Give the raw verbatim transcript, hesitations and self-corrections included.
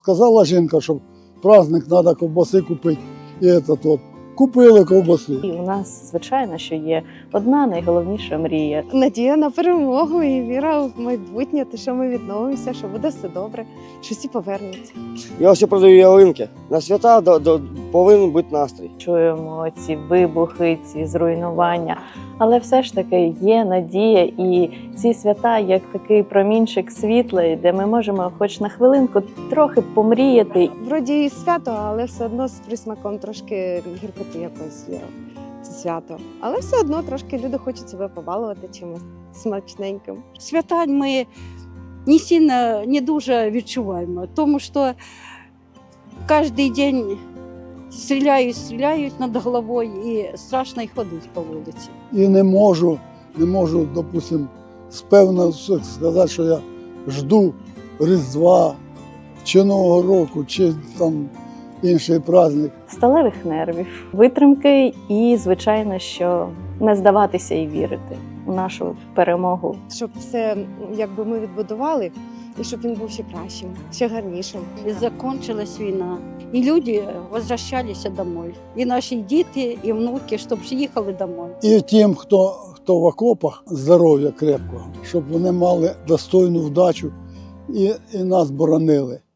Сказала жінка, що праздник треба ковбаси купити. І це от. Купили ковбаси. І у нас, звичайно, що є одна найголовніша мрія. Надія на перемогу і віра в майбутнє, те, що ми відновимося, що буде все добре, що всі повернуться. Я все продаю ялинки. На свята до, до, повинен бути настрій. Чуємо ці вибухи, ці зруйнування. Але все ж таки є надія, і ці свята як такий промінчик світла, де ми можемо хоч на хвилинку трохи помріяти. Вроді і свято, але все одно з присмаком трошки гіркоти якоїсь є. Це свято. Але все одно трошки люди хочуть себе побалувати чимось смачненьким. Свята ми не сильно, не дуже відчуваємо, тому що кожен день стріляють, стріляють над головою і страшно й ходити по вулиці. І не можу, не можу, допустим, спевно сказати, що я жду Різдва, чи Нового року, чи там інший праздник. Сталевих нервів, витримки і, звичайно, що не здаватися і вірити у нашу перемогу. Щоб все якби ми відбудували, і щоб він був ще кращим, ще гарнішим. І закінчилась війна, і люди возвращалися домой. І наші діти, і внуки, щоб їхали домой. І тим, хто, хто в окопах, здоров'я крепкого, щоб вони мали достойну вдачу і, і нас боронили.